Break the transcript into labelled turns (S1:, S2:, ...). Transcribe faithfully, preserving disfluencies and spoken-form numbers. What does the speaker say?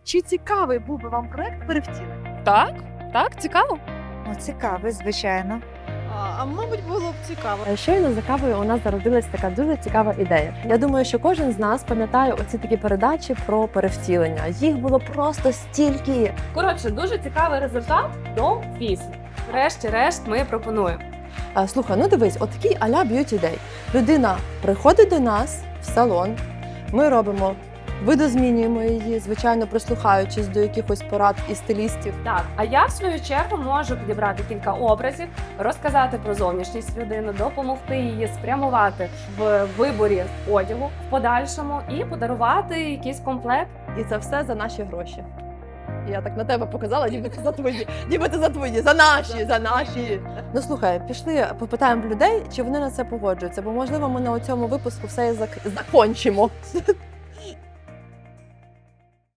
S1: Чи цікавий був би вам проект перевтілення?
S2: Так, так, цікаво.
S3: Ну, цікавий, звичайно.
S4: А, а мабуть, було б цікаво.
S5: Щойно за кавою у нас зародилась така дуже цікава ідея. Я думаю, що кожен з нас пам'ятає оці такі передачі про перевтілення. Їх було просто стільки.
S2: Коротше, дуже цікавий результат до після. Врешті-решт ми пропонуємо.
S5: А, слухай, ну дивись, отакий а-ля б'юті дей. Людина приходить до нас в салон, ми робимо, видозмінюємо її, звичайно, прислухаючись до якихось порад і стилістів.
S2: Так, а я в свою чергу можу підібрати кілька образів, розказати про зовнішність людини, допомогти її спрямувати в виборі одягу в подальшому і подарувати якийсь комплект.
S5: І це все за наші гроші. Я так на тебе показала, ніби це за твої, ніби це за твої, за наші, за наші. Ну слухай, пішли, попитаємо в людей, чи вони на це погоджуються, бо можливо ми на цьому випуску все і зак... закончимо.